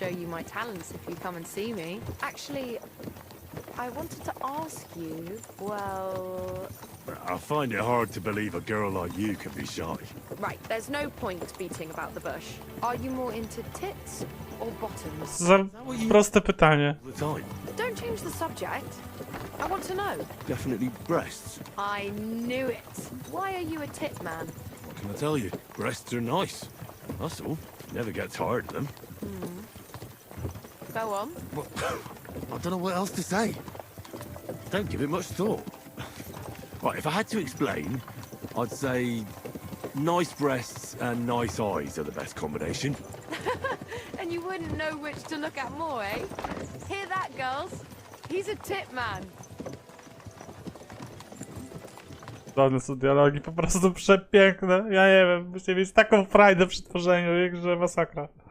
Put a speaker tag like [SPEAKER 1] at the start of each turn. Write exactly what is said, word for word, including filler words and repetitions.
[SPEAKER 1] show you my talents if you come and see me. Actually, I wanted to ask you, well...
[SPEAKER 2] I find it hard to believe a girl like you can be shy.
[SPEAKER 1] Right, there's no point beating about the bush. Are you more into tits or bottoms?
[SPEAKER 3] Za proste pytanie.
[SPEAKER 2] All the time.
[SPEAKER 1] Don't change the subject. I want to know.
[SPEAKER 2] Definitely breasts.
[SPEAKER 1] I knew it. Why are you a tit man?
[SPEAKER 2] What can I tell you? Breasts are nice. That's all. Never get tired of them.
[SPEAKER 1] Go on.
[SPEAKER 2] Well, I don't know what else to say. Don't give it much thought. Right, if I had to explain, I'd say nice breasts and nice eyes are the best combination.
[SPEAKER 1] And you wouldn't know which to look at more, eh? Hear that, girls? He's a tit man.
[SPEAKER 3] Żadne są dialogi, po prostu przepiękne. Ja nie wiem, musicie mieć taką frajdę przy tworzeniu ich, że masakra.